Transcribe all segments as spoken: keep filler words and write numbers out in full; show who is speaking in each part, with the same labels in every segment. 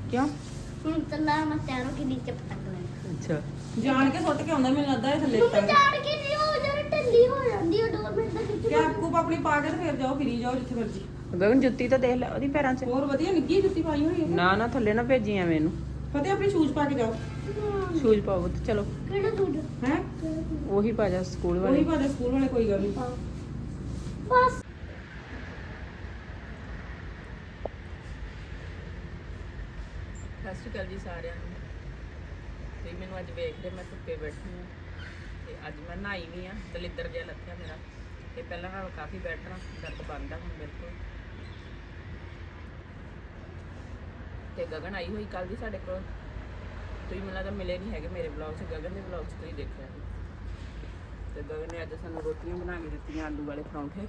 Speaker 1: ਕਿਉਂ?
Speaker 2: ਹੁਣ ਚੱਲਾ ਮੈਂ ਤੈਨੂੰ ਕਿ ਨੀਚੇ ਪਟਕ ਲੈਣਾ।
Speaker 1: ਅੱਛਾ ਜਾਣ ਕੇ ਸੁੱਟ ਕੇ ਆਉਂਦਾ ਮੈਨੂੰ ਲੱਗਦਾ ਇਹ ਥੱਲੇ
Speaker 2: ਤੂੰ
Speaker 1: ਤੱਕ
Speaker 2: ਜਾਣ ਕੇ ਨਹੀਂ ਹੋ ਜਰਾ ਢਿੱਲੀ ਹੋ ਜਾਂਦੀ ਹੈ ਦੋ ਮਿੰਟ ਦਾ ਖਿੱਚ
Speaker 1: ਕੈਪ ਕੂਪ ਆਪਣੀ ਪਾ ਕੇ ਤੇ ਫਿਰ ਜਾਓ ਫਿਰੀ ਜਾਓ ਜਿੱਥੇ ਮਰਜੀ।
Speaker 3: ਗਗਨ ਜੁੱਤੀ ਤਾਂ ਦੇਖ ਲੈ ਉਹਦੀ ਪੈਰਾਂ 'ਚ।
Speaker 1: ਹੋਰ ਵਧੀਆ ਨਿੱਗੀ ਜੁੱਤੀ ਪਾਈ ਹੋਈ ਹੈ।
Speaker 3: ਨਾ ਨਾ ਥੱਲੇ ਨਾ ਭੇਜੀ ਐਵੇਂ ਇਹਨੂੰ।
Speaker 1: ਫਤਿਹ ਆਪਣੇ ਸ਼ੂਜ਼ ਪਾ ਕੇ ਜਾਓ।
Speaker 3: ਸ਼ੂਜ਼ ਪਾਓ ਤੇ ਚਲੋ।
Speaker 2: ਕਿਹੜਾ ਸੂਟ
Speaker 1: ਹੈ
Speaker 3: ਉਹੀ ਪਾ ਜਾ ਸਕੂਲ
Speaker 1: ਉਹੀ
Speaker 3: ਵਾਲੇ।
Speaker 1: ਪਾ ਦੇ ਸਕੂਲ ਵਾਲੇ ਕੋਈ ਗੱਲ ਨਹੀਂ।
Speaker 2: ਬਸ
Speaker 3: ਸਤਿ ਸ਼੍ਰੀ ਅਕਾਲ ਜੀ ਸਾਰਿਆਂ ਨੂੰ। ਤੇ ਮੈਨੂੰ ਅੱਜ ਵੇਖ ਰਹੇ ਮੈਂ ਧੁੱਪੇ ਬੈਠੀ ਹਾਂ ਤੇ ਅੱਜ ਮੈਂ ਨਹਾਈ ਵੀ ਆ। ਦਲਿੱਦਰ ਜਿਹਾ ਲੱਥਿਆ ਮੇਰਾ ਤੇ ਪਹਿਲਾਂ ਨਾਲੋਂ ਕਾਫੀ ਬੈਟਰ ਆ। ਦਰਦ ਬੰਦ ਆ ਹੁਣ ਬਿਲਕੁਲ। ਤੇ ਗਗਨ ਆਈ ਹੋਈ ਕੱਲ ਦੀ ਸਾਡੇ ਕੋਲ। ਤੁਸੀਂ ਮੈਨੂੰ ਲੱਗਦਾ ਮਿਲੇ ਨਹੀਂ ਹੈਗੇ ਮੇਰੇ ਵਲੌਗ 'ਚ। ਗਗਨ ਦੇ ਵਲੌਗ 'ਚ ਤੁਸੀਂ ਦੇਖਿਆ ਸੀ। ਤੇ ਗਗਨ ਨੇ ਅੱਜ ਸਾਨੂੰ ਰੋਟੀਆਂ ਬਣਾ ਕੇ ਦਿੱਤੀਆਂ ਆਲੂ ਵਾਲੇ ਪਰੌਂਠੇ।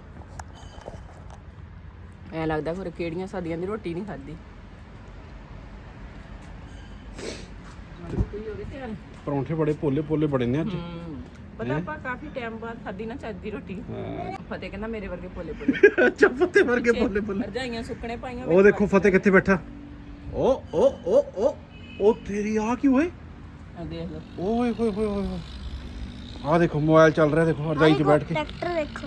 Speaker 3: ਐ ਲੱਗਦਾ ਫਿਰ ਕਿਹੜੀਆਂ ਸਾਦੀਆਂ ਦੀ ਰੋਟੀ ਨਹੀਂ ਖਾਧੀ।
Speaker 4: ਪਰੌਂਠੇ ਬੜੇ ਪੋਲੇ ਪੋਲੇ ਬੜੇ ਨੇ ਅੱਜ।
Speaker 3: ਪਤਾ ਆਪਾਂ ਕਾਫੀ ਟਾਈਮ ਬਾਅਦ ਖਾਧੀ ਨਾ ਚੱਜ ਦੀ ਰੋਟੀ। ਫਤਿਹ ਕਹਿੰਦਾ ਮੇਰੇ ਵਰਗੇ ਪੋਲੇ ਪੋਲੇ।
Speaker 4: ਅੱਛਾ ਫਤਿਹ ਵਰਗੇ ਪੋਲੇ ਪੋਲੇ।
Speaker 3: ਰਜਾਈਆਂ ਸੁੱਕਣੇ ਪਾਈਆਂ।
Speaker 4: ਉਹ ਦੇਖੋ ਫਤਿਹ ਕਿੱਥੇ ਬੈਠਾ। ਓ ਓ ਓ ਓ ਉਹ ਤੇਰੀ ਆ ਕੀ ਹੋਏ।
Speaker 3: ਆ ਦੇਖ ਲਓ।
Speaker 4: ਓਏ ਹੋਏ ਹੋਏ ਹੋਏ। ਆ ਦੇਖੋ ਮੋਬਾਈਲ ਚੱਲ ਰਿਹਾ ਦੇਖੋ ਰਜਾਈ 'ਚ ਬੈਠ ਕੇ।
Speaker 2: ਟਰੈਕਟਰ ਦੇਖੋ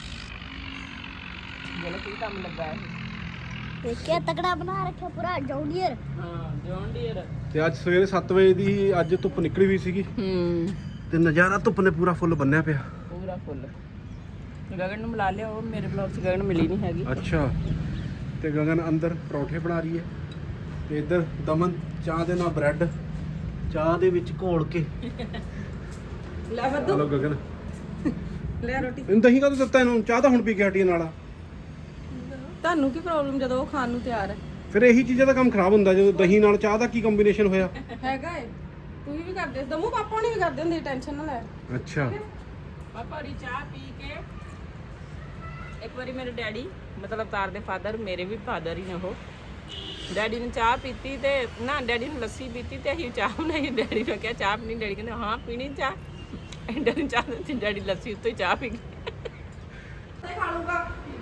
Speaker 3: ਜਿਹੜਾ ਕੀ ਕੰਮ ਲੱਗਾ ਹੈ।
Speaker 2: ਦੇਖਿਆ ਤਕੜਾ ਬਣਾ ਰੱਖਿਆ ਪੂਰਾ ਜੌਂਡੀਅਰ।
Speaker 3: ਹਾਂ ਜੌਨ ਡੀਅਰ।
Speaker 4: ਤੇ ਅੱਜ ਸਵੇਰੇ ਸੱਤ ਵਜੇ ਦੀ ਅੱਜ ਧੁੱਪ ਨਿਕਲੀ ਹੋਈ ਸੀਗੀ
Speaker 3: ਹੂੰ
Speaker 4: ਤੇ ਨਜ਼ਾਰਾ ਧੁੱਪ ਨੇ ਪੂਰਾ ਫੁੱਲ ਬੰਨਿਆ ਪਿਆ।
Speaker 3: ਪੂਰਾ ਫੁੱਲ। ਗਗਨ ਨੂੰ ਮਿਲਾ ਲਿਆ। ਉਹ ਮੇਰੇ ਵਲੌਗ 'ਚ ਗਗਨ ਮਿਲੀ ਨਹੀਂ ਹੈਗੀ।
Speaker 4: ਅੱਛਾ ਤੇ ਗਗਨ ਅੰਦਰ ਪਰੌਂਠੇ ਬਣਾ ਰਹੀ ਹੈ ਤੇ ਇੱਧਰ ਦਮਨ ਚਾਹ ਦੇ ਨਾਲ ਬ੍ਰੈਡ ਚਾਹ ਦੇ ਵਿੱਚ ਘੋਲ ਕੇ।
Speaker 3: ਲੈ ਬੱਦੂ
Speaker 4: ਹਲੋ ਗਗਨ
Speaker 3: ਲੈ ਰੋਟੀ।
Speaker 4: ਇਹਨੂੰ ਦਹੀਂ ਕਦੋਂ ਦਿੱਤਾ ਇਹਨੂੰ। ਚਾਹ ਤਾਂ ਹੁਣ ਪੀ ਕੇ ਹਟੀ ਨਾਲ।
Speaker 3: ਤੁਹਾਨੂੰ ਕੀ ਪ੍ਰੋਬਲਮ ਜਦੋਂ ਉਹ ਖਾਣ ਨੂੰ ਤਿਆਰ ਹੈ।
Speaker 4: ਫਿਰ ਇਹੀ ਚੀਜ਼ਾਂ ਦਾ ਕੰਮ ਖਰਾਬ ਹੁੰਦਾ ਜਦੋਂ ਦਹੀਂ ਨਾਲ ਚਾਹ ਦਾ ਕੀ ਕੰਬੀਨੇਸ਼ਨ ਹੋਇਆ।
Speaker 1: ਹੈਗਾ ਏ ਤੁਸੀਂ ਵੀ ਕਰਦੇ ਦਮੂ ਪਾਪਾ ਨਹੀਂ ਵੀ ਕਰਦੇ ਹੁੰਦੇ ਟੈਨਸ਼ਨ ਨਾ ਲੈ।
Speaker 4: ਅੱਛਾ
Speaker 3: ਪਾਪਾ ਦੀ ਚਾਹ ਪੀ ਕੇ ਇੱਕ ਵਾਰੀ ਮੇਰੇ ਡੈਡੀ ਮਤਲਬ ਤਾਰ ਦੇ ਫਾਦਰ ਮੇਰੇ ਵੀ ਫਾਦਰ ਹੀ ਨੇ ਉਹ। ਡੈਡੀ ਨੇ ਚਾਹ ਪੀਤੀ ਤੇ ਨਾ ਡੈਡੀ ਨੇ ਲੱਸੀ ਪੀਤੀ ਤੇ ਅਸੀਂ ਚਾਹ ਬਣਾਈ। ਡੈਡੀ ਨੇ ਕਿਹਾ ਚਾਹ ਪੀਣੀ। ਡੈਡੀ ਕਹਿੰਦੇ ਹਾਂ ਪੀਣੀ ਚਾਹ। ਡੈਡੀ ਨੇ ਚਾਹ ਦਿੱਤੀ। ਡੈਡੀ ਲੱਸੀ ਉੱਤੇ ਚਾਹ ਪੀ ਗਏ।
Speaker 1: ਖਾ ਲੂਗਾ।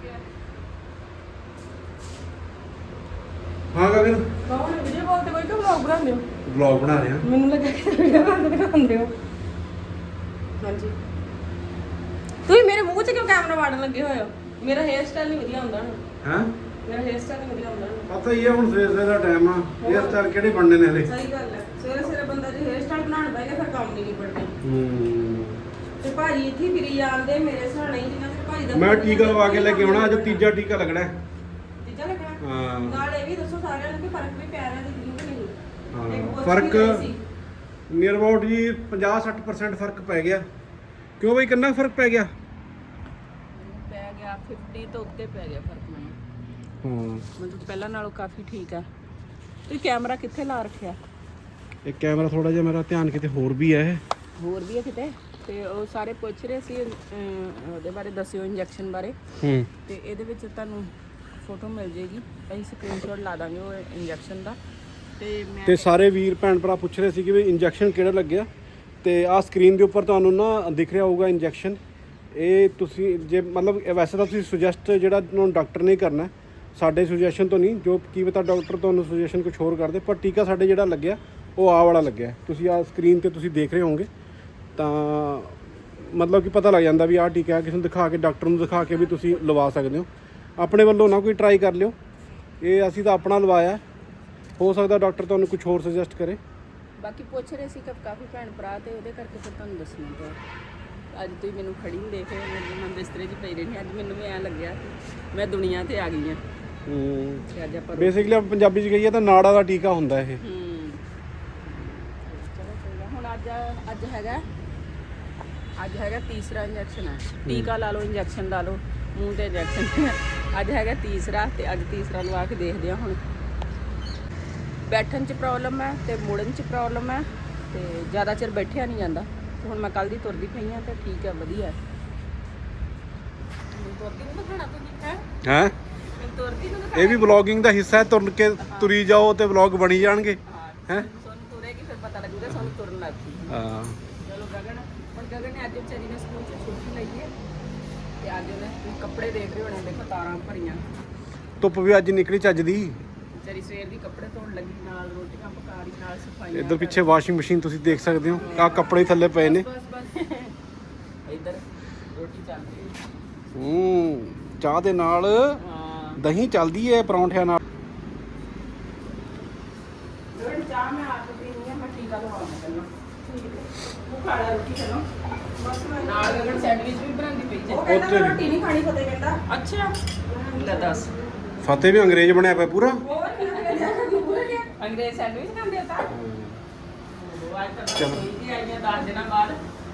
Speaker 4: ਹਾਂ ਗਗਨ
Speaker 1: ਕੌਣ ਵੀਡੀਓ ਕਾਲ ਤੇ ਕੋਈ ਕਿ ਵਲੌਗ ਬਣਾਉਂਦੇ ਹੋ।
Speaker 4: ਵਲੌਗ ਬਣਾ ਰਿਹਾ।
Speaker 1: ਮੈਨੂੰ ਲੱਗਾ ਕਿ ਵੀਡੀਓ ਕਾਲ ਤੇ ਦਿਖਾਉਂਦੇ ਹੋ। ਹਾਂਜੀ ਤੁਸੀਂ ਮੇਰੇ ਮੂੰਹ 'ਚ ਕਿਉਂ ਕੈਮਰਾ ਵਾੜਨ ਲੱਗੇ ਹੋਏ ਹੋ। ਮੇਰਾ ਹੇਅਰ ਸਟਾਈਲ ਨਹੀਂ ਵਧੀਆ ਹੁੰਦਾ ਨਾ।
Speaker 4: ਹਾਂ
Speaker 1: ਮੇਰਾ ਹੇਅਰ ਸਟਾਈਲ ਨਹੀਂ ਵਧੀਆ ਹੁੰਦਾ ਨਾ।
Speaker 4: ਪਤਾ ਹੀ ਹੈ ਹੁਣ ਸਵੇਰ ਸਵੇਰ ਦਾ ਟਾਈਮ ਆ। ਹੇਅਰ ਸਟਾਈਲ ਕਿਹੜੇ ਬਣਨੇ ਨੇ ਹਲੇ।
Speaker 1: ਸਹੀ ਗੱਲ ਹੈ। ਸਵੇਰੇ ਸਵੇਰੇ ਬੰਦਾ ਜੇ ਹੇਅਰ ਸਟਾਈਲ ਬਣਾਉਣ ਬੈਠੇ ਫਿਰ ਕੰਮ ਨਹੀਂ ਨਿਬੜਦੇ।
Speaker 4: ਹੂੰ
Speaker 1: ਤੇ ਭਾਜੀ ਇੱਥੇ ਫਿਰੀ ਜਾਂਦੇ ਮੇਰੇ ਸਹਾਣੇ ਹੀ ਜਿੰਨਾ ਚਿਰ ਭਾਜੀ ਦਾ
Speaker 4: ਮੈਂ ਟੀਕਾ ਲਵਾ ਕੇ ਲੈ ਕੇ ਆਉਣਾ। ਅੱਜ ਤੀਜਾ ਟੀਕਾ ਲੱਗਣਾ ਹੈ।
Speaker 1: ਤੀਜਾ ਲੱਗਣਾ।
Speaker 4: ਹਾਂ
Speaker 1: ਨਾਲ ਇਹ ਵੀ ਦੱਸੋ ਸਾਰਿਆਂ ਨੂੰ ਕਿ ਫਰਕ ਵੀ ਪੈ ਰਿਹਾ ਤੇ ਕਿ ਨਹੀਂ।
Speaker 4: ਹਾਂ
Speaker 1: ਇੱਕ ਪੁੱਛ
Speaker 4: ਫਰਕ
Speaker 1: ਵੀ ਰਹੀ ਸੀ।
Speaker 4: ਨੀਅਰ ਅਬਾਊਟ ਜੀ ਪੰਜਾਹ ਸੱਠ ਪਰਸੈਂਟ ਫਰਕ ਪੈ ਗਿਆ। ਕਿਉਂ ਬਈ ਕਿੰਨਾ ਫਰਕ ਪੈ ਗਿਆ।
Speaker 3: ਪੈ ਗਿਆ ਪਚਾਸ ਤੋਂ ਉੱਤੇ ਪੈ ਗਿਆ ਫਰਕ ਮੈਨੂੰ।
Speaker 4: ਹਾਂ
Speaker 3: ਮਤਲਬ ਪਹਿਲਾਂ ਨਾਲੋਂ ਕਾਫੀ ਠੀਕ ਆ। ਤੁਸੀਂ ਕੈਮਰਾ ਕਿੱਥੇ ਲਾ ਰੱਖਿਆ।
Speaker 4: ਇਹ ਕੈਮਰਾ ਥੋੜਾ ਜਿਹਾ ਮੇਰਾ ਧਿਆਨ ਕਿਤੇ ਹੋਰ ਵੀ ਹੈ।
Speaker 3: ਹੋਰ ਵੀ ਹੈ ਕਿਤੇ। ਤੇ ਉਹ ਸਾਰੇ ਪੁੱਛ ਰਹੇ ਸੀ ਅਹ, ਉਹਦੇ ਬਾਰੇ ਦੱਸਿਓ ਇੰਜੈਕਸ਼ਨ ਬਾਰੇ।
Speaker 4: ਹੂੰ
Speaker 3: ਤੇ ਇਹਦੇ ਵਿੱਚ ਤੁਹਾਨੂੰ ਫੋਟੋ ਮਿਲ ਜੇਗੀ। ਅਸੀਂ ਸਕਰੀਨਸ਼ਾਟ ਲਾ ਦਾਂਗੇ ਉਹ ਇੰਜੈਕਸ਼ਨ ਦਾ। ਤੇ ਮੈਂ
Speaker 4: ਤੇ ਸਾਰੇ ਵੀਰ ਭੈਣ ਭਰਾ ਪੁੱਛ ਰਹੇ ਸੀ ਕਿ ਵੀ ਇੰਜੈਕਸ਼ਨ ਕਿਹੜਾ ਲੱਗਿਆ। ਤੇ ਆਹ ਸਕਰੀਨ ਦੇ ਉੱਪਰ ਤੁਹਾਨੂੰ ਨਾ ਦਿਖ ਰਿਹਾ ਹੋਊਗਾ ਇੰਜੈਕਸ਼ਨ। ਇਹ ਤੁਸੀਂ ਜੇ ਮਤਲਬ ਵੈਸੇ ਤਾਂ ਤੁਸੀਂ ਸੁਜੈਸਟ ਜਿਹੜਾ ਤੁਹਾਨੂੰ ਡਾਕਟਰ ਨੇ ਕਰਨਾ ਸਾਡੇ ਸੁਜੈਸ਼ਨ ਤੋਂ ਨਹੀਂ। ਜੋ ਕੀ ਪਤਾ ਡਾਕਟਰ ਤੁਹਾਨੂੰ ਸੁਜੈਸ਼ਨ ਕੁਝ ਹੋਰ ਕਰਦੇ। ਪਰ ਟੀਕਾ ਸਾਡੇ ਜਿਹੜਾ ਲੱਗਿਆ ਉਹ ਆਹ ਵਾਲਾ ਲੱਗਿਆ। ਤੁਸੀਂ ਆਹ ਸਕਰੀਨ ਤੇ ਤੁਸੀਂ ਦੇਖ ਰਹੇ ਹੋਵੋਗੇ ਤਾਂ ਮਤਲਬ ਕਿ ਪਤਾ ਲੱਗ ਜਾਂਦਾ ਵੀ ਆਹ ਟੀਕਾ ਕਿਸੇ ਨੂੰ ਦਿਖਾ ਕੇ ਡਾਕਟਰ ਨੂੰ ਦਿਖਾ ਕੇ ਵੀ ਤੁਸੀਂ ਲਵਾ ਸਕਦੇ ਹੋ। ਆਪਣੇ ਵੱਲੋਂ ਨਾ ਕੋਈ ਟਰਾਈ ਕਰ ਲਿਓ। ਇਹ ਅਸੀਂ ਤਾਂ ਆਪਣਾ ਲਵਾਇਆ। ਹੋ ਸਕਦਾ ਡਾਕਟਰ ਤੁਹਾਨੂੰ ਕੁਝ ਹੋਰ ਸੁਜੈਸਟ ਕਰੇ।
Speaker 3: ਬਾਕੀ ਪੁੱਛ ਰਹੇ ਸੀ ਕਿ ਕਾਫੀ ਭੈਣ ਭਰਾ ਤੇ ਉਹਦੇ ਕਰਕੇ ਫਿਰ ਤੁਹਾਨੂੰ ਦੱਸਣਾ ਪਿਆ। ਅੱਜ ਤੁਸੀਂ ਮੈਨੂੰ ਖੜੀ ਨਹੀਂ ਦੇਖ ਰਹੇ। ਮੈਂ ਬਿਸਤਰੇ 'ਚ ਪਈ ਰਹੀ। ਅੱਜ ਮੈਨੂੰ ਵੀ ਐਂ ਲੱਗਿਆ ਕਿ ਮੈਂ ਦੁਨੀਆ ਤੇ ਆ ਗਈ ਹਾਂ।
Speaker 4: ਹੂੰ
Speaker 3: ਤੇ ਅੱਜ ਆਪਾਂ
Speaker 4: ਬੇਸਿਕਲੀ ਆਪਾਂ ਪੰਜਾਬੀ 'ਚ ਕਹੀਏ ਤਾਂ ਨਾੜਾ ਦਾ ਟੀਕਾ ਹੁੰਦਾ ਇਹ।
Speaker 3: ਹੂੰ ਚਲੋ ਕੋਈ ਗੱਲ। ਹੁਣ ਅੱਜ ਅੱਜ ਹੈਗਾ ਅੱਜ ਹੈਗਾ ਤੀਸਰਾ ਇੰਜੈਕਸ਼ਨ ਹੈ। ਟੀਕਾ ਲਾ ਲਓ ਇੰਜੈਕਸ਼ਨ ਲਾ ਲਓ ਮੂੰਹ ਤੇ ਇੰਜੈਕਸ਼ਨ। ਅੱਜ ਹੈਗਾ ਤੀਸਰਾ ਤੇ ਅੱਜ ਤੀਸਰਾ ਲਵਾ ਕੇ ਦੇਖਦੇ ਹਾਂ। ਹੁਣ ਬੈਠਣ 'ਚ ਪ੍ਰੋਬਲਮ ਹੈ ਤੇ ਮੁੜਨ 'ਚ ਪ੍ਰੋਬਲਮ ਹੈ ਤੇ ਜ਼ਿਆਦਾ ਚਿਰ ਬੈਠਿਆ ਨਹੀਂ ਜਾਂਦਾ। ਤੇ ਹੁਣ ਮੈਂ ਕੱਲ ਦੀ ਤੁਰਦੀ ਪਈ ਹਾਂ ਤੇ ਠੀਕ ਹੈ ਵਧੀਆ ਹੈ। ਤੁਰਦੀ ਨੂੰ ਦਿਖਾਣਾ ਤੁਸੀਂ ਹੈ
Speaker 4: ਹੈ
Speaker 3: ਤੁਰਦੀ ਨੂੰ
Speaker 4: ਇਹ ਵੀ ਵਲੌਗਿੰਗ ਦਾ ਹਿੱਸਾ ਹੈ। ਤੁਰ ਕੇ ਤੁਰੀ ਜਾਓ ਤੇ ਵਲੌਗ ਬਣੀ ਜਾਣਗੇ। ਹੈ
Speaker 3: ਸਾਨੂੰ ਤੁਰੇਗੀ ਫਿਰ ਪਤਾ ਲੱਗੂਗਾ ਸਾਨੂੰ ਤੁਰਨ ਲੱਗ ਪਈ।
Speaker 4: ਹਾਂ
Speaker 3: ਚਲੋ ਗਗਨ ਹੁਣ ਗਗਨ ਨੇ ਅੱਜ ਵਿਚਾਰੀ ਨੇ ਸਕੂਲ 'ਚ ਛੁੱਟੀ ਲਈ ਹੈ ਤੇ ਅੱਜ ਉਹਨੇ ਤੁਸੀਂ ਕੱਪੜੇ ਦੇਖ ਰਹੇ ਹੋਣੇ। ਦੇਖੋ ਤਾਰਾਂ ਭਰੀਆਂ।
Speaker 4: ਧੁੱਪ ਵੀ ਅੱਜ ਨਿਕਲੀ ਚੱਜ ਦੀ।
Speaker 3: ਵਿਚਾਰੀ ਸਵੇਰ ਦੀ ਕੱਪੜੇ ਧੋਣ ਲੱਗੀ, ਨਾਲ ਰੋਟੀਆਂ ਪਕਾ ਰਹੀ, ਨਾਲ ਸਫਾਈਆਂ।
Speaker 4: ਇੱਧਰ ਪਿੱਛੇ ਵਾਸ਼ਿੰਗ ਮਸ਼ੀਨ ਤੁਸੀਂ ਦੇਖ ਸਕਦੇ ਹੋ, ਆਹ ਕੱਪੜੇ ਥੱਲੇ ਪਏ ਨੇ।
Speaker 3: ਬਸ ਬਸ ਇੱਧਰ ਰੋਟੀ ਚੱਲਦੀ ਹੈ।
Speaker 4: ਹੂੰ ਚਾਹ ਦੇ ਨਾਲ
Speaker 3: ਹਾਂ
Speaker 4: ਦਹੀਂ ਚੱਲਦੀ ਹੈ ਪਰੌਂਠਿਆਂ ਨਾਲ।
Speaker 3: ਰੋਟੀ ਚਾਹ ਮੈਂ ਆਪ ਪੀਣੀ ਆ, ਮੈਂ ਟੀਕਾ ਲਵਾਉਣਾ ਪਹਿਲਾਂ। ਉਹ ਖਾ ਲੈ ਰੋਟੀ ਪਹਿਲਾਂ, ਬਸ ਮੈਂ ਨਾਲ ਗਗਨ ਸੈਂਡਵਿਚ ਵੀ ਬਣਾਉਂਦੀ ਪਈ ਜੇ।
Speaker 1: ਉਹ ਕਹਿੰਦਾ ਮੈਂ ਰੋਟੀ ਨਹੀਂ ਖਾਣੀ, ਫਤਿਹ ਕਹਿੰਦਾ।
Speaker 3: ਅੱਛਾ ਲੈ ਦੱਸ,
Speaker 4: ਫਤਿਹ ਵੀ ਅੰਗਰੇਜ਼ ਬਣਿਆ ਪਿਆ ਪੂਰਾ।
Speaker 1: ਹੋਰ ਕਿਹਨੇ
Speaker 3: ਅੰਗਰੇਜ਼ ਸੈਂਡਵਿਚ ਖਾਂਦੇ ਆ ਤਾਂ। ਉਹ ਅੱਜ ਤੱਕ
Speaker 4: ਚਲੋ।
Speaker 3: ਕੋਈ ਦੀ ਆਈਆਂ ਦਸ ਦਿਨਾਂ ਬਾਅਦ,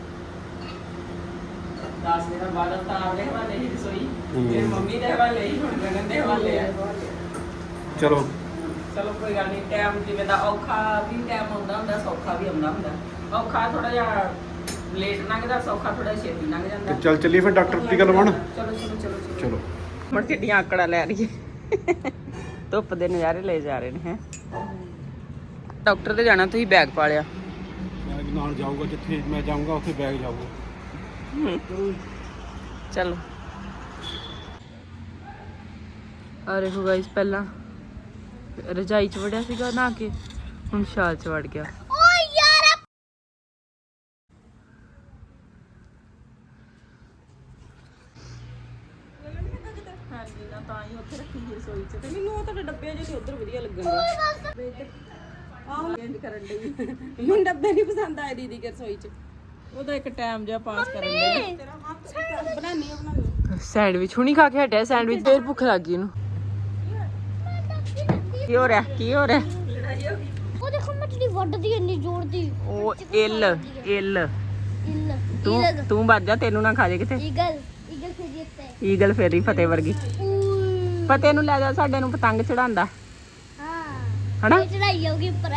Speaker 3: ਦਸ ਦਿਨਾਂ ਬਾਅਦ ਅਵਤਾਰ ਦੇ ਹਵਾਲੇ ਹੀ ਰਸੋਈ, ਫਿਰ ਮੰਮੀ ਦੇ ਹਵਾਲੇ ਹੀ, ਹੁਣ ਗਗਨ ਦੇ ਹਵਾਲੇ ਆ।
Speaker 4: ਚਲੋ
Speaker 3: ਚਲੋ ਕੋਈ ਗੱਲ ਨਹੀਂ, ਟਾਈਮ ਜਿਵੇਂ ਦਾ ਔਖਾ ਵੀ ਟਾਈਮ ਆਉਂਦਾ ਹੁੰਦਾ, ਸੌਖਾ ਵੀ ਆਉਂਦਾ ਹੁੰਦਾ। ਔਖਾ ਥੋੜਾ ਜਿਹਾ ਲੇਟ ਲੰਘਦਾ, ਸੌਖਾ ਥੋੜਾ ਛੇਤੀ ਲੰਘ ਜਾਂਦਾ।
Speaker 4: ਤੇ ਚੱਲ ਚੱਲੀਏ ਫਿਰ ਡਾਕਟਰ ਟੀਕਾ ਲਵਾਉਣ।
Speaker 3: ਚਲੋ ਚਲੋ ਚਲੋ
Speaker 4: ਚਲੋ
Speaker 3: ਮੜ ਕਿੱਡੀਆਂ ਆਕੜਾ ਲੈ ਰਹੀ ਹੈ। ਧੁੱਪ ਦੇ ਨਜ਼ਾਰੇ ਲੈ ਜਾ ਰਹੇ ਨੇ ਹੈ। ਡਾਕਟਰ ਤੇ ਜਾਣਾ, ਤੁਸੀਂ ਬੈਗ ਪਾ ਲਿਆ।
Speaker 4: ਬੈਗ ਨਾਲ ਜਾਊਗਾ, ਜਿੱਥੇ ਮੈਂ ਜਾਊਂਗਾ ਉੱਥੇ ਬੈਗ ਜਾਊਗਾ।
Speaker 3: ਚਲੋ ਆ ਦੇਖੋ ਗਾਇਸ, ਪਹਿਲਾਂ ਰਜਾਈ ਚ ਵੜਿਆ ਸੀਗਾ ਨਹਾ ਕੇ, ਹੁਣ ਸ਼ਾਲ ਚ ਵੜ ਗਿਆ।
Speaker 2: ਓ ਯਾਰ
Speaker 3: ਹਾਂਜੀ ਨਾ ਤਾਂ ਹੀ ਉੱਥੇ ਰੱਖੀ ਸੀ ਰਸੋਈ ਚ।
Speaker 1: ਤੇ ਮੈਨੂੰ ਉਹ ਤੁਹਾਡੇ ਡੱਬੇ ਜਿਹੇ ਉਧਰ ਵਧੀਆ ਲੱਗਣਗੇ। ਆਹੋ
Speaker 3: ਚੇਂਜ ਕਰਨ ਲਈ
Speaker 1: ਮੈਨੂੰ ਡੱਬੇ ਨਹੀਂ ਪਸੰਦ ਆਏ ਦੀਦੀ ਕੇ ਰਸੋਈ ਚ।
Speaker 3: ਉਹਦਾ ਇੱਕ ਟਾਈਮ ਜਿਹਾ ਪਾਸ ਕਰਨ ਲਈ।
Speaker 1: ਤੇਰਾ ਹੱਥ ਬਣਾਨੀ ਆ ਬਣਾ
Speaker 3: ਸੈਂਡਵਿਚ ਹੁਣੀ ਖਾ ਕੇ ਹਟਿਆ ਸੈਂਡਵਿਚ, ਫੇਰ ਭੁੱਖ ਲੱਗ ਗਈ ਇਹਨੂੰ। ਕੀ ਹੋ ਰਿਹਾ ਕੀ ਹੋ ਰਿਹਾ?
Speaker 2: ਉਹ ਦੇਖੋ ਮੱਛਲੀ ਵੱਢਦੀ ਇੰਨੀ ਜ਼ੋਰ ਦੀ।
Speaker 3: ਉਹ ਇਲ ਇਲ
Speaker 2: ਇੱਲ
Speaker 3: ਤੂੰ ਤੂੰ ਵੱਜ ਜਾ, ਤੈਨੂੰ ਨਾ ਖਾ ਜੇ ਕਿਤੇ।
Speaker 2: ਈਗਲ ਈਗਲ ਫਿਰ ਜਿੱਤੇ।
Speaker 3: ਈਗਲ ਫੇਰੀ ਫਤਿਹ ਵਰਗੀ।
Speaker 2: ਊ
Speaker 3: ਫਤਿਹ ਨੂੰ ਲੈ ਜਾ, ਸਾਡੇ ਨੂੰ ਪਤੰਗ ਚੜਾਉਂਦਾ
Speaker 2: ਹਾਂ
Speaker 3: ਹਨਾ।
Speaker 2: ਇਹ ਚੜਾਈ ਹੋਗੀ ਉੱਪਰ।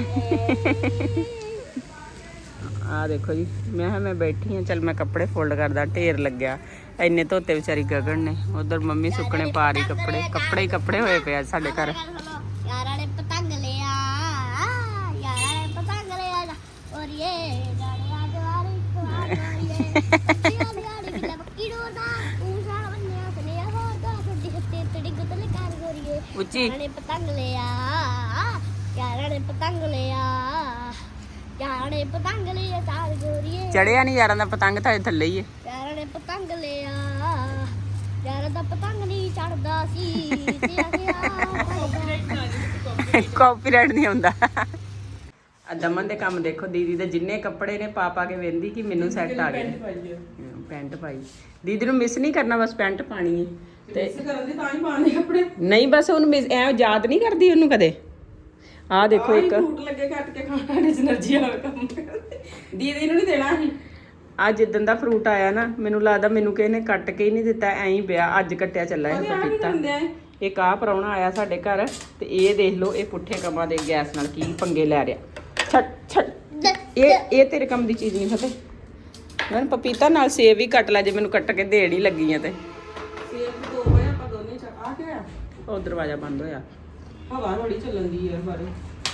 Speaker 3: ਆ ਦੇਖੋ ਜੀ, ਮੈਂ ਕਿਹਾ ਮੈਂ ਬੈਠੀ ਹਾਂ, ਚੱਲ ਮੈਂ ਕੱਪੜੇ ਫੋਲਡ ਕਰਦਾ, ਢੇਰ ਲੱਗਿਆ ਇੰਨੇ ਧੋਤੇ ਵਿਚਾਰੀ ਗਗਨ ਨੇ। ਉਧਰ ਮੰਮੀ ਸੁੱਕਣੇ ਪਾ ਰਹੀ ਕੱਪੜੇ, ਕੱਪੜੇ ਹੀ ਕੱਪੜੇ ਹੋਏ ਪਏ ਅੱਜ ਸਾਡੇ ਘਰ।
Speaker 2: ਯਾਰਾਂ ਨੇ ਪਤੰਗ ਲਿਆ, ਯਾਰਾਂ ਨੇ ਪਤੰਗ ਲਿਆ ਔਰ ਇਹ ਗਾੜਿਆ ਜਵਾਰੀ ਕੁਆਰ ਗੋਰੀਏ ਬੱਚਿਆਂ ਦੀ ਆੜੀ ਕਿਲਾ ਬੱਕੀ ਡੋਦਾ ਤੂੰ ਸਾਲ ਬੰਨਿਆ ਸਨਿਆ ਹੋਰ ਦਾ ਛੱਡੀ ਹੱਤੇ ਤੜੀ ਗੁੱਤਲੇ ਕਾਰ ਗੋਰੀਏ।
Speaker 3: ਉੱਚੀ
Speaker 2: ਯਾਰਾਂ ਨੇ ਪਤੰਗ ਲਿਆ, ਯਾਰਾਂ ਨੇ ਪਤੰਗ ਲਿਆ, ਯਾਰਾਂ ਨੇ ਪਤੰਗ ਲਿਆ ਚਾਰ ਗੋਰੀਏ।
Speaker 3: ਚੜਿਆ ਨਹੀਂ ਯਾਰਾਂ ਦਾ ਪਤੰਗ ਤਾਂ ਥੱਲੇ ਹੀ
Speaker 2: ਯਾਰਾਂ ਨੇ ਪਤੰਗ ਲਿਆ, ਯਾਰਾਂ ਦਾ ਪਤੰਗ ਨਹੀਂ ਚੜਦਾ ਸੀ ਤੇ ਆਖਿਆ
Speaker 3: ਹੈ। ਕਾਪੀਰਾਈਟ ਨਹੀਂ ਆਉਂਦਾ। ਆ ਦਮਨ ਦੇ ਕੰਮ ਦੇਖੋ, ਦੀਦੀ ਦੇ ਜਿੰਨੇ ਕੱਪੜੇ ਨੇ ਪਾ ਪਾ ਕੇ ਵੇਂਦੀ ਕਿ ਮੈਨੂੰ ਸੈੱਟ ਆ ਗਏ। ਪੈਂਟ ਪਾਈ ਦੀਦੀ ਨੂੰ ਮਿਸ ਨਹੀਂ ਕਰਨਾ, ਬਸ ਪੈਂਟ ਪਾਣੀ ਹੈ। ਤੇ
Speaker 1: ਇਸ ਕਰਨ ਦੀ ਤਾਂ ਹੀ ਪਾਣੇ ਕੱਪੜੇ।
Speaker 3: ਨਹੀਂ ਬਸ ਉਹਨੂੰ ਮਿਸ ਐ ਯਾਦ ਨਹੀਂ ਕਰਦੀ ਉਹਨੂੰ ਕਦੇ। ਆਹ ਦੇਖੋ ਇੱਕ
Speaker 1: ਫਰੂਟ ਲੱਗੇ ਕੱਟ ਕੇ ਖਾਣਾ ਨੇ એનર્ਜੀ ਵਾਲਾ ਕੰਮ ਕਰਦੇ। ਦੀਦੀ ਨੂੰ ਨਹੀਂ ਦੇਣਾ ਸੀ।
Speaker 3: ਅੱਜ ਜਿੱਦਣ ਦਾ ਫਰੂਟ ਆਇਆ ਨਾ, ਮੈਨੂੰ ਲੱਗਦਾ ਮੈਨੂੰ ਕਿਸੇ ਨੇ ਕੱਟ ਕੇ ਹੀ ਨਹੀਂ ਦਿੱਤਾ, ਐਂ ਹੀ ਪਿਆ। ਅੱਜ ਕੱਟਿਆ ਚੱਲਾ ਇਹ ਪਪੀਤਾ। ਇੱਕ ਆਹ ਪ੍ਰਾਹੁਣਾ ਆਇਆ ਸਾਡੇ ਘਰ, ਤੇ ਇਹ ਦੇਖ ਲਓ ਇਹ ਪੁੱਠੇ ਕੰਮਾਂ ਦੇ ਗੈਸ ਨਾਲ ਕੀ ਪੰਗੇ ਲੈ ਰਿਹਾ। ਛੱਡ ਛੱਡ, ਇਹ ਇਹ ਤੇਰੇ ਕੰਮ ਦੀ ਚੀਜ਼ ਨਹੀਂ ਫਤਿਹ। ਮੈਂ ਪਪੀਤਾ ਨਾਲ ਸੇਬ ਵੀ ਕੱਟ ਲੈ, ਜੇ ਮੈਨੂੰ ਕੱਟ ਕੇ ਦੇੜ ਹੀ ਲੱਗੀ ਆ ਤੇ।
Speaker 1: ਸੇਬ ਦੋ ਹੋਏ ਆਪਾਂ ਦੋਨੇ ਚ ਆ ਕੇ ਆ।
Speaker 3: ਉਹ ਦਰਵਾਜ਼ਾ ਬੰਦ ਹੋਇਆ।
Speaker 1: ਹਵਾ ਬੜੀ ਚੱਲਣ ਦੀ ਯਾਰ ਬਾਰੇ।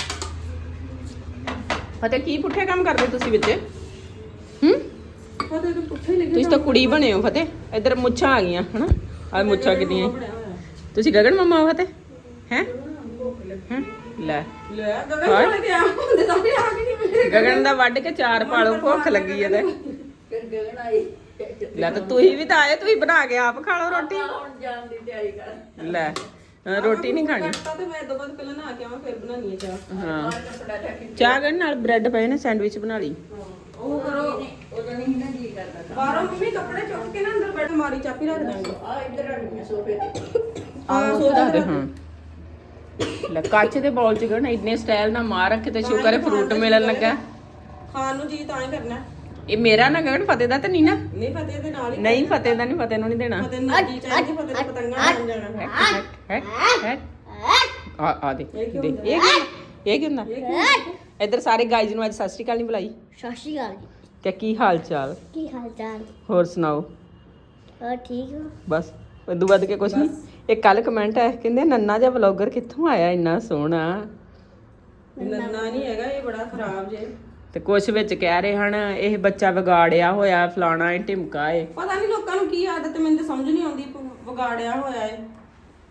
Speaker 3: ਫਤਿਹ ਕੀ ਪੁੱਠੇ ਕੰਮ ਕਰਦੇ ਤੁਸੀਂ ਵਿੱਚ? ਹੂੰ
Speaker 1: ਫਤਿਹ ਤੂੰ ਪੁੱਠੇ ਲਿਖੇ
Speaker 3: ਤੁਸੀਂ ਤਾਂ ਕੁੜੀ ਬਣੇ ਹੋ ਫਤਿਹ। ਇੱਧਰ ਮੁੱਛਾਂ ਆ ਗਈਆਂ ਹਨਾ, ਆ ਮੁੱਛਾਂ ਕਿੰਨੀਆਂ। ਤੁਸੀਂ ਗਗਨ ਮਮਾ ਹੋ ਫਤਿਹ ਹੈ? ਹੈਂ? ਲੈ
Speaker 1: ਲੈ ਗਗਨ ਵਾਲੇ ਤੇ ਆ ਹੁੰਦੇ ਤਾਂ ਵੀ ਆ ਕੇ ਨਹੀਂ ਮਿਲੇ।
Speaker 3: ਗਗਨ ਦਾ ਵੱਢ ਕੇ ਚਾਰ ਪਾਲੋ, ਭੁੱਖ ਲੱਗੀ ਐ ਤੇ।
Speaker 1: ਫਿਰ ਗਗਨ ਆਈ।
Speaker 3: ਲੈ ਤਾਂ ਤੁਸੀਂ ਵੀ ਤਾਂ ਆਏ, ਤੁਸੀਂ ਬਣਾ ਕੇ ਆਪ ਖਾ ਲਓ ਰੋਟੀ।
Speaker 1: ਹੁਣ ਜਾਣ ਦੀ ਤਿਆਰੀ ਕਰ।
Speaker 3: ਲੈ ਅਹ ਰੋਟੀ ਨਹੀਂ ਖਾਣੀ।
Speaker 1: ਕੱਟਾ ਤੇ ਮੈਂ ਦੋ ਬਾਅਦ ਪਹਿਲਾਂ ਨਹਾ ਕੇ ਆਵਾਂ, ਫਿਰ ਬਣਾਉਣੀ ਹੈ ਚਾਹ।
Speaker 3: ਹਾਂ ਚਾਹ ਗਣ ਨਾਲ ਬ੍ਰੈਡ ਪਏ ਨੇ, ਸੈਂਡਵਿਚ ਬਣਾ ਲਈ।
Speaker 1: ਉਹ ਕਰੋ ਉਹਦਾ ਨਹੀਂ ਨਾ ਜੀ ਕਰਦਾ। ਬਾਹਰੋਂ ਮੰਮੀ ਕੱਪੜੇ ਚੁੱਕ ਕੇ ਨਾ ਅੰਦਰ ਬੈਠ ਮਾਰੀ ਚਾਪੀ ਰੱਖ ਦਾਂਗੇ। ਆ ਇੱਧਰ ਰੱਖਣੀ ਸੋਫੇ ਤੇ।
Speaker 3: ਆਹ ਸੋਦਾ ਦੇ ਹਾਂ। ਲੈ ਕੱਚ ਦੇ ਬੌਲ ਚ ਗਣ ਇੰਨੇ ਸਟਾਈਲ ਨਾਲ ਮਾਰ ਰੱਖੇ, ਤੇ ਸ਼ੁਕਰ ਹੈ ਫਰੂਟ ਮਿਲਣ ਲੱਗਾ।
Speaker 1: ਖਾਣ ਨੂੰ ਜੀ ਤਾਂ ਹੀ ਕਰਨਾ।
Speaker 3: ਇਹ ਮੇਰਾ ਨਾ ਗਣ, ਫਤਿਹ ਦਾ ਤਾਂ ਨਹੀਂ ਨਾ।
Speaker 1: ਨਹੀਂ ਫਤਿਹ ਦੇ ਨਾਲ ਹੀ।
Speaker 3: ਨਹੀਂ ਫਤਿਹ ਦਾ ਨਹੀਂ, ਫਤਿਹ ਨੂੰ ਨਹੀਂ ਦੇਣਾ।
Speaker 1: ਫਤਿਹ ਨੂੰ ਜੀ ਚਾਹੀਦੀ, ਫਤਿਹ ਦੇ ਪਤੰਗਾਂ ਬਣ ਜਾਣਾ।
Speaker 3: ਹੈ ਹੈ ਆ ਆ ਦੇ ਦੇ ਇਹ ਕੀ ਇਹ ਕੀ ਹੁੰਦਾ? ਇੱਧਰ ਸਾਰੇ ਗਾਈਜ਼ ਨੂੰ ਅੱਜ ਸਤਿ ਸ਼੍ਰੀ ਅਕਾਲ ਨਹੀਂ ਬੁਲਾਈ।
Speaker 2: ਸਤਿ ਸ਼੍ਰੀ ਅਕਾਲ ਜੀ।
Speaker 3: ਕਿ ਕੀ ਹਾਲ ਚਾਲ?
Speaker 2: ਕੀ ਹਾਲ ਚਾਲ?
Speaker 3: ਹੋਰ ਸੁਣਾਓ?
Speaker 2: ਹੋਰ ਠੀਕ ਹੋ?
Speaker 3: ਬਸ ਉਦੋਂ ਵੱਧ ਕੇ ਕੁਛ ਨਹੀਂ। ਇੱਕ ਕੱਲ ਕਮੈਂਟ ਆਇਆ, ਕਹਿੰਦੇ ਨੰਨਾ ਜਿਹਾ ਵਲੌਗਰ ਕਿੱਥੋਂ ਆਇਆ ਇੰਨਾ ਸੋਹਣਾ।
Speaker 1: ਨੰਨਾ ਨਹੀਂ ਹੈਗਾ, ਇਹ ਬੜਾ ਖਰਾਬ ਜੇ।
Speaker 3: ਤੇ ਕੁਛ ਵਿੱਚ ਕਹਿ ਰਹੇ ਹਨ ਇਹ ਬੱਚਾ ਵਿਗਾੜਿਆ ਹੋਇਆ, ਫਲਾਣਾ ਏ ਢਿਮਕਾ ਏ।
Speaker 1: ਪਤਾ ਨਹੀਂ ਲੋਕਾਂ ਨੂੰ ਕੀ ਆਦਤ, ਮੈਨੂੰ ਤਾਂ ਸਮਝ ਨਹੀਂ ਆਉਂਦੀ। ਵਿਗਾੜਿਆ ਹੋਇਆ ਏ,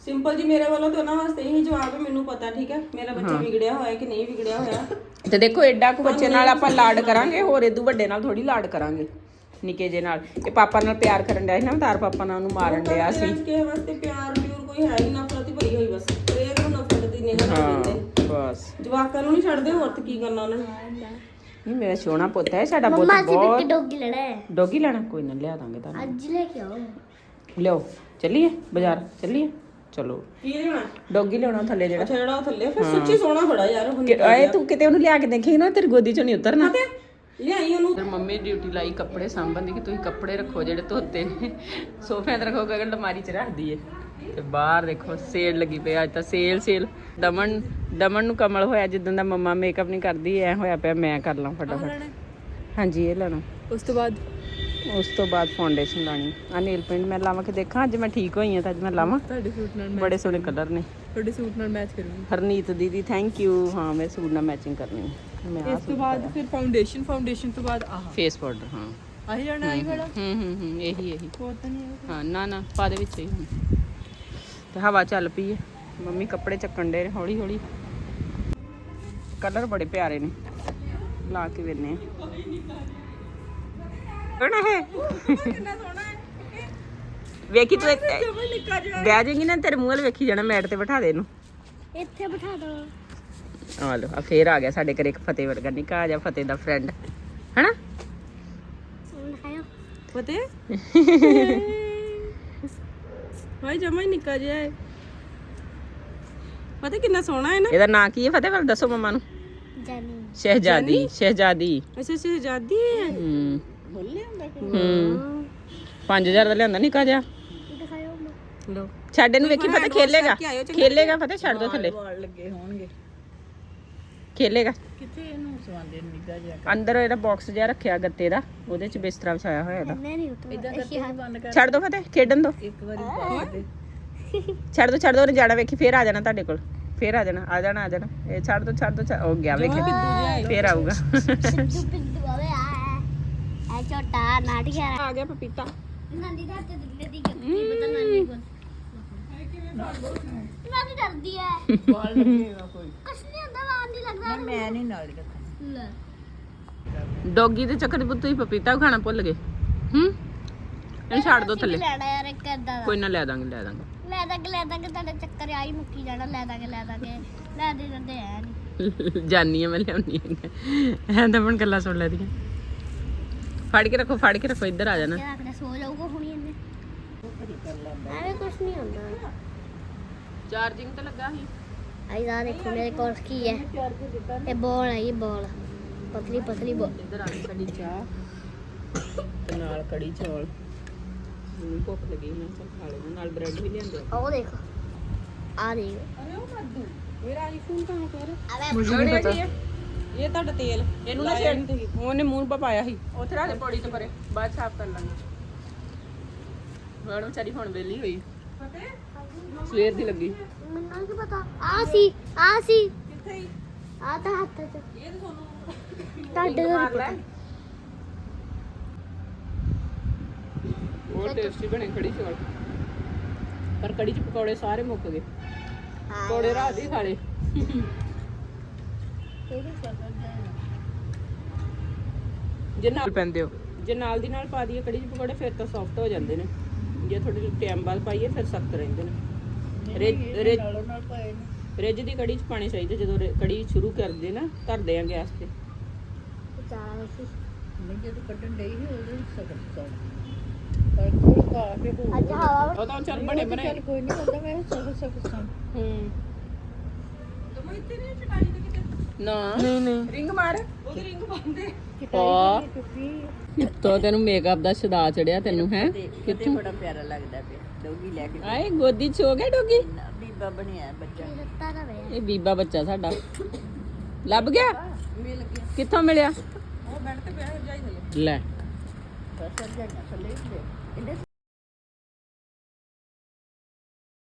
Speaker 1: ਸਿੰਪਲ ਜੀ ਮੇਰੇ ਵੱਲੋਂ ਤੇ ਉਹਨਾਂ ਵਾਸਤੇ ਇਹੀ ਜਵਾਬ ਹੈ, ਮੈਨੂੰ ਪਤਾ ਠੀਕ ਹੈ ਮੇਰਾ ਬੱਚਾ ਵਿਗੜਿਆ ਹੋਇਆ ਕਿ ਨਹੀਂ ਵਿਗੜਿਆ ਹੋਇਆ।
Speaker 3: ਤੇ ਦੇਖੋ ਐਡਾ ਕੁ ਬੱਚੇ ਨਾਲ ਆਪਾਂ ਲਾਡ ਕਰਾਂਗੇ, ਹੋਰ ਇਦੋਂ ਵੱਡੇ ਨਾਲ ਥੋੜੀ ਲਾਡ ਕਰਾਂਗੇ, ਨਿੱਕੇ ਜੇ ਨਾਲ। ਇਹ ਪਾਪਾ ਨਾਲ ਪਿਆਰ ਕਰਨ ਡਿਆ ਸੀ ਨਾ, ਤਾਰ ਪਾਪਾ ਨਾਲ ਉਹਨੂੰ ਮਾਰਨ ਡਿਆ ਸੀ।
Speaker 1: ਕਿਸੇ ਵਾਸਤੇ ਪਿਆਰ ਪਿਓਰ ਕੋਈ ਹੈ ਹੀ, ਨਫ਼ਰਤ ਹੀ ਭਰੀ ਹੋਈ ਬਸ। ਪਰ ਇਹ ਨੂੰ ਨਫ਼ਰਤ ਦੀ ਨਿਗਾਹ ਨਾਲ ਦਿੰਦੇ
Speaker 3: ਬਸ
Speaker 1: ਜਵਾਕਾਂ ਨੂੰ ਨਹੀਂ ਛੱਡਦੇ, ਹੋਰ ਤੇ ਕੀ ਕਰਨਾ ਉਹਨਾਂ ਨੇ।
Speaker 3: ਨਹੀਂ ਮੇਰਾ ਸੋਹਣਾ ਪੁੱਤ ਹੈ ਸਾਡਾ, ਪੁੱਤ
Speaker 2: ਮੰਮਾ ਜੀ
Speaker 3: ਬਹੁਤ।
Speaker 2: ਇੱਕ ਡੋਗੀ ਲੈਣਾ ਹੈ,
Speaker 3: ਡੋਗੀ ਲੈਣਾ, ਕੋਈ ਨਾ ਲਿਆ ਦਾਂਗੇ ਤੁਹਾਨੂੰ।
Speaker 2: ਅੱਜ ਲੈ ਕੇ ਆਓ।
Speaker 3: ਲਿਓ ਚੱਲੀਏ ਬਾਜ਼ਾਰ, ਚੱਲੀਏ ਚਲੋ।
Speaker 1: ਕੀ ਲੈਣਾ?
Speaker 3: ਡੋਗੀ ਲਿਆਉਣਾ ਥੱਲੇ ਜਿਹੜਾ।
Speaker 1: ਅੱਛਾ ਜਿਹੜਾ ਉਹ ਥੱਲੇ, ਫਿਰ ਸੱਚੀ ਸੋਹਣਾ ਬੜਾ ਯਾਰ ਉਹ
Speaker 3: ਕਿ ਆਏ ਤੂੰ ਕਿਤੇ ਉਹਨੂੰ ਲਿਆ ਕੇ ਦੇਖੀ ਨਾ, ਤੇਰੀ ਗੋਦੀ ਚੋਂ ਨਹੀਂ ਉਤਰਨਾ।
Speaker 1: ਲਿਆਈ ਉਹਨੂੰ।
Speaker 3: ਫਿਰ ਮੰਮੀ ਡਿਊਟੀ ਲਾਈ ਕੱਪੜੇ ਸਾਂਭਣ ਦੀ, ਕਿ ਤੁਸੀਂ ਕੱਪੜੇ ਰੱਖੋ ਜਿਹੜੇ ਧੋਤੇ ਨੇ, ਸੋਫਿਆਂ ਤੇ ਰੱਖੋ, ਗਗਨ ਅਲਮਾਰੀ 'ਚ ਰੱਖ ਦਈਏ। ਤੇ ਬਾਹਰ ਦੇਖੋ ਸੇਲ ਲੱਗੀ ਪਈ ਅੱਜ ਤਾਂ, ਸੇਲ ਸੇਲ। ਦਮਨ ਦਮਨ ਨੂੰ ਕਮਲ ਹੋਇਆ ਜਿੱਦਾਂ ਦਾ ਮੰਮਾ ਮੇਕਅਪ ਨਹੀਂ ਕਰਦੀ, ਐ ਹੋਇਆ ਪਿਆ ਮੈਂ ਕਰ ਲਾਂ ਫਟਾਫਟ। ਹਾਂਜੀ ਇਹ ਲੈਣਾ।
Speaker 1: ਉਸ ਤੋਂ ਬਾਅਦ
Speaker 3: ਉਸ ਤੋਂ ਬਾਅਦ ਫਾਊਂਡੇਸ਼ਨ ਲਾਣੀ ਆ। ਨੇਲ ਪੇਂਟ ਮੈਂ ਲਾਵਾਂ ਕਿ ਦੇਖਾਂ, ਅੱਜ ਮੈਂ ਠੀਕ ਹੋਈ ਹਾਂ ਤਾਂ ਅੱਜ ਮੈਂ ਲਾਵਾਂ।
Speaker 1: ਤੁਹਾਡੇ ਸੂਟ ਨਾਲ
Speaker 3: ਬੜੇ ਸੋਹਣੇ ਕਲਰ ਨੇ,
Speaker 1: ਤੁਹਾਡੇ ਸੂਟ ਨਾਲ ਮੈਚ ਕਰੂੰਗੀ।
Speaker 3: ਹਰਨੀਤ ਦੀਦੀ ਥੈਂਕ ਯੂ। ਹਾਂ ਮੈਂ ਸੂਟ ਨਾਲ ਮੈਚਿੰਗ ਕਰਨੀ ਹੈ। ਮੈਂ
Speaker 1: ਇਸ ਤੋਂ ਬਾਅਦ ਫਿਰ ਫਾਊਂਡੇਸ਼ਨ, ਫਾਊਂਡੇਸ਼ਨ ਤੋਂ ਬਾਅਦ ਆਹ
Speaker 3: ਫੇਸ ਪਾਊਡਰ। ਹਾਂ
Speaker 1: ਆਹੀ ਜਾਣਾ ਆਹੀ ਵਾਲਾ।
Speaker 3: ਹੂੰ ਹੂੰ ਹੂੰ ਇਹੀ ਇਹੀ
Speaker 1: ਹੋਰ ਤਾਂ ਨਹੀਂ ਹੈ।
Speaker 3: ਹਾਂ ਨਾ ਨਾ ਪਾ ਦੇ ਵਿੱਚ ਹੀ ਹੁਣ। ਤੇ ਹਵਾ ਚੱਲ ਪਈ ਹੈ, ਮੰਮੀ ਕੱਪੜੇ ਚੱਕਣ ਦੇ ਹੌਲੀ ਹੌਲੀ। ਕਲਰ ਬੜੇ ਪਿਆਰੇ ਨੇ, ਲਾ ਕੇ ਵੇਨੇ ਕਿਹੜਾ ਹੈ।
Speaker 1: ਕਿੰਨਾ ਸੋਹਣਾ ਹੈ।
Speaker 3: ਵੇਖੀ ਤੂੰ ਇੱਕ
Speaker 1: ਜਮਾ ਨਿੱਕਾ ਜਿਹਾ।
Speaker 3: ਬਹਿ ਜਾਏਗੀ ਨਾ, ਤੇਰੇ ਮੂੰਹ ਵੱਲ ਵੇਖੀ ਜਾਣਾ। ਮੈਟ ਤੇ ਬਿਠਾ ਦੇ ਇਹਨੂੰ।
Speaker 2: ਇੱਥੇ ਬਿਠਾ ਦੋ।
Speaker 3: ਆ ਲੋ ਆ ਫੇਰ ਆ ਗਿਆ ਸਾਡੇ ਘਰੇ ਇੱਕ ਫਤਿਹ ਵਰਗਾ ਨਿੱਕਾ ਜਿਹਾ, ਫਤਿਹ ਦਾ ਫਰੈਂਡ ਹੈਨਾ।
Speaker 1: ਪਤੇ ਭਾਈ ਜਮਾ ਹੀ ਨਿੱਕਾ ਜਿਹਾ ਹੈ। ਪਤਾ ਕਿੰਨਾ ਸੋਹਣਾ ਹੈ ਨਾ।
Speaker 3: ਇਹਦਾ ਨਾਂ ਕੀ ਹੈ ਫਤਿਹ ਵੱਲ ਦੱਸੋ ਮੰਮਾ ਨੂੰ।
Speaker 2: ਜਾਨੀ
Speaker 3: ਸ਼ਹਿਜ਼ਾਦੀ, ਸ਼ਹਿਜ਼ਾਦੀ।
Speaker 1: ਅੱਛਾ ਸ਼ਹਿਜ਼ਾਦੀ ਹੈ।
Speaker 3: ਹੂੰ ਹੂੰ ਪੰਜ ਹਜ਼ਾਰ ਦਾ ਲਿਆਂਦਾ ਨਿੱਕਾ ਜਿਹਾ।
Speaker 2: ਦਿਖਾਓ ਮੈਂ।
Speaker 1: ਲੋ
Speaker 3: ਛੱਡ ਇਹਨੂੰ, ਵੇਖੀ ਫਤਿਹ ਖੇਲੇਗਾ, ਖੇਲੇਗਾ ਫਤਿਹ, ਛੱਡ ਦੋ ਥੱਲੇ।
Speaker 1: ਵਾਲ ਲੱਗੇ ਹੋਣਗੇ
Speaker 3: ਖੇਲੇਗਾ
Speaker 1: ਕਿੱਥੇ, ਇਹਨੂੰ ਸਵਾਂਦੇ ਨਿੱਕਾ ਜਿਹਾ।
Speaker 3: ਅੰਦਰ ਇਹਦਾ ਬਾਕਸ ਜਿਹਾ ਰੱਖਿਆ ਗੱਤੇ ਦਾ, ਉਹਦੇ ਚ ਬਿਸਤਰਾ ਵਿਛਾਇਆ ਹੋਇਆ ਇਹਦਾ।
Speaker 2: ਮੈਂ ਨਹੀਂ ਉਤਰਦਾ।
Speaker 1: ਬੰਦ ਕਰ
Speaker 3: ਛੱਡ ਦੋ ਫਤਿਹ, ਖੇਡਣ ਦੋ।
Speaker 1: ਇੱਕ ਵਾਰੀ ਪਾ ਦੇ।
Speaker 3: ਛੱਡ ਦੋ ਛੱਡ ਦੋ, ਉਹਨੇ ਜਾਣਾ ਵੇਖੀ, ਫੇਰ ਆ ਜਾਣਾ ਤੁਹਾਡੇ ਕੋਲ, ਫੇਰ ਆ ਜਾਣਾ ਆ ਜਾਣਾ ਆ ਜਾਣਾ। ਇਹ ਛੱਡ ਦੋ ਛੱਡ ਦੋ, ਹੋ ਗਿਆ ਵੇਖੀ, ਫੇਰ ਆਊਗਾ।
Speaker 2: ਪਿੱਦੂ ਪਿੱਦੂ ਆਵੇ ਆ ਐ ਛੋਟਾ ਨਾਟਿਆ
Speaker 3: ਆ ਗਿਆ ਪਪੀਤਾ।
Speaker 2: ਨਾਨੀ ਦਾ ਤੇ ਦਿੰਦੇ ਦੀ ਕੀ ਪਤਾ ਨਾਨੀ ਕੋਲ। ਨਾਨੀ ਡਰਦੀ ਹੈ।
Speaker 1: ਵਾਲ ਲੱਗੇਗਾ ਕੋਈ।
Speaker 2: ਕੁਛ ਨਹੀਂ ਹੁੰਦਾ, ਵਾਰ ਨਹੀਂ ਲੱਗਦਾ।
Speaker 1: ਮੈਂ ਨਹੀਂ ਨਾਲ ਕਰਦਾ।
Speaker 2: ਲੈ
Speaker 3: ਡੌਗੀ ਦੇ ਚੱਕਰ 'ਚ ਪੁੱਤ ਤੁਸੀਂ ਪਪੀਤਾ ਖਾਣਾ ਭੁੱਲ ਗਏ। ਹੂੰ ਇਹਨੂੰ ਛੱਡ ਦੋ ਥੱਲੇ।
Speaker 2: ਲੈਣਾ ਯਾਰ ਇੱਕ ਏਦਾਂ ਦਾ।
Speaker 3: ਕੋਈ ਨਾ ਲੈ ਦਾਂਗੇ ਲੈ ਦਾਂਗੇ।
Speaker 2: ਲੈ ਦਾਂਗੇ ਲੈ ਦਾਂਗੇ, ਤੁਹਾਡੇ ਚੱਕਰ ਆਈ ਮੁੱਕੀ ਜਾਣਾ। ਲੈ ਦਾਂਗੇ ਲੈ ਦਾਂਗੇ, ਲੈ ਦੇ ਦਿੰਦੇ ਐ ਨਹੀਂ।
Speaker 3: ਜਾਨੀ ਆ ਮੈਂ ਲਿਆਉਣੀ ਐ ਤਾਂ ਹੁਣ ਗੱਲਾਂ ਸੁਣ ਲੈਦੀਆਂ। ਫੜ ਕੇ ਰੱਖੋ ਫੜ ਕੇ ਰੱਖੋ, ਇੱਧਰ ਆ ਜਾਣਾ।
Speaker 2: ਰੱਖਦੇ ਸੋ ਜਾਊਗਾ ਹੁਣੀ ਇਹਨੇ। ਐਵੇਂ ਕੁਛ ਨਹੀਂ ਹੁੰਦਾ।
Speaker 3: ਚਾਰਜਿੰਗ ਤੇ ਲੱਗਾ ਸੀ।
Speaker 2: ਆਈ ਦਾ ਦੇਖੋ ਮੇਰੇ ਕੋਲ ਕੀ ਹੈ। ਇਹ ਬੋਲ ਹੈ, ਇਹ ਬੋਲ ਪਤਲੀ ਪਤਲੀ ਬੋਲ।
Speaker 3: ਇੱਧਰ ਆ ਗਈ ਸਾਡੀ ਚਾਹ ਤੇ ਨਾਲ ਕੜੀ ਚੌਲ। ਮੈਨੂੰ ਭੁੱਖ ਲੱਗੀ, ਮੈਂ ਚੱਲ ਖਾ ਲੈਣਾ, ਨਾਲ ਬ੍ਰੈਡ ਵੀ ਲਿਆਂਦੇ।
Speaker 2: ਉਹ ਦੇਖੋ ਆ ਦੇਖ।
Speaker 1: ਅਰੇ ਉਹ ਕੱਦੂ ਮੇਰਾ ਆਈਫੋਨ ਕਹਾਂ ਪਰ
Speaker 2: ਅਰੇ
Speaker 3: ਮੁझे नहीं पता।
Speaker 1: ਇਹ ਤੁਹਾਡਾ ਤੇਲ
Speaker 3: ਇਹਨੂੰ ਨਾ ਛੇੜ, ਉਹਨੇ ਮੂੰਹ ਪਾ ਪਾਇਆ ਸੀ ਉੱਥੇ ਰੱਖ ਦੇ ਪੌੜੀ ਤੇ ਪਰੇ, ਬਾਅਦ ਸਾਫ਼ ਕਰ ਲਾਂਗੇ। ਹੁਣ ਵਿਚਾਰੀ ਹੁਣ ਵੇਲੀ ਹੋਈ, ਸਵੇਰ ਦੀ ਲੱਗੀ।
Speaker 2: ਮੈਨੂੰ ਕੀ ਪਤਾ। ਆ ਸੀ ਆ ਸੀ
Speaker 1: ਕਿੱਥੇ ਹੀ
Speaker 2: ਆ ਤਾਂ ਹੱਥ ਚ।
Speaker 1: ਇਹ ਤਾਂ ਤੁਹਾਨੂੰ
Speaker 2: ਤੁਹਾਡੇ ਦਾ
Speaker 3: ਮਾਰ ਲੈ।
Speaker 2: ਪਤਾ।
Speaker 3: ਬਹੁਤ ਟੇਸਟੀ ਬਣੇ ਕੜੀ ਚੌਲ, ਪਰ ਕੜੀ ਚ ਪਕੌੜੇ ਸਾਰੇ ਮੁੱਕ ਗਏ। ਪਕੌੜੇ ਰਾਤ ਹੀ ਖਾ ਲਏ। ਜੇ ਨਾਲ ਪੈਂਦੇ ਹੋ, ਜੇ ਨਾਲ ਦੀ ਨਾਲ ਪਾ ਦਈਏ ਕੜੀ ਚ ਪਕੌੜੇ ਫਿਰ ਤਾਂ ਸੌਫਟ ਹੋ ਜਾਂਦੇ ਨੇ, ਜੇ ਥੋੜੇ ਟਾਈਮ ਬਾਅਦ ਪਾਈਏ ਫਿਰ ਸਖਤ ਰਹਿੰਦੇ ਨੇ। ਰਿੱਝ ਰਿੱਝ ਰਿੱਝ ਦੀ ਕੜੀ ਚ ਪਾਣੀ ਚਾਹੀਦਾ। ਜਦੋਂ ਰਿ- ਕੜੀ ਸ਼ੁਰੂ ਕਰਦੇ ਨਾ, ਧਰਦੇ ਆ ਗੈਸ ਤੇ।
Speaker 2: ਚਾਹ ਸੀ ਅੱਜ ਹਵਾ
Speaker 3: ਉਹ ਤਾਂ ਚੱਲ ਬਣੇ ਬਣੇ
Speaker 1: ਕੋਈ ਨਹੀਂ ਹੁੰਦਾ। ਮੈਂ ਸਭ ਸਭ ਸਭ
Speaker 3: ਹੂੰ
Speaker 1: ਤੁਮ ਇੱਥੇ ਨਹੀਂ ਚਟਾਈ ਦੇ ਕਿਤੇ
Speaker 3: ਨਾ ਨਹੀਂ ਨਹੀਂ ਰਿੰਗ ਮਾਰ
Speaker 1: ਉਹਦੀ ਰਿੰਗ ਬੰਦੇ
Speaker 3: ਪਾ ਕਿੱਥੋਂ ਤੈਨੂੰ ਮੇਕਅਪ ਦਾ ਸ਼ਦਾ ਚੜਿਆ ਤੈਨੂੰ ਹੈ ਕਿੱਥੋਂ?
Speaker 1: ਬੜਾ ਪਿਆਰਾ ਲੱਗਦਾ ਪਿਆ ਡੋਗੀ ਲੈ ਕੇ
Speaker 3: ਆਏ ਗੋਦੀ ਚ ਹੋ ਗਿਆ ਡੋਗੀ।
Speaker 1: ਬੀਬਾ ਬਣਿਆ ਬੱਚਾ।
Speaker 2: ਦਿੱਤਾ ਨਾ ਵੇ।
Speaker 3: ਇਹ ਬੀਬਾ ਬੱਚਾ ਸਾਡਾ ਲੱਭ ਗਿਆ।
Speaker 1: ਮਿਲ ਗਿਆ
Speaker 3: ਕਿੱਥੋਂ ਮਿਲਿਆ?
Speaker 1: ਉਹ ਬੈਠ ਤੇ ਪਿਆ ਜਾਈ ਥੱਲੇ
Speaker 3: ਲੈ
Speaker 1: ਬਸ ਜਾਈਆਂ ਥੱਲੇ ਇਹਦੇ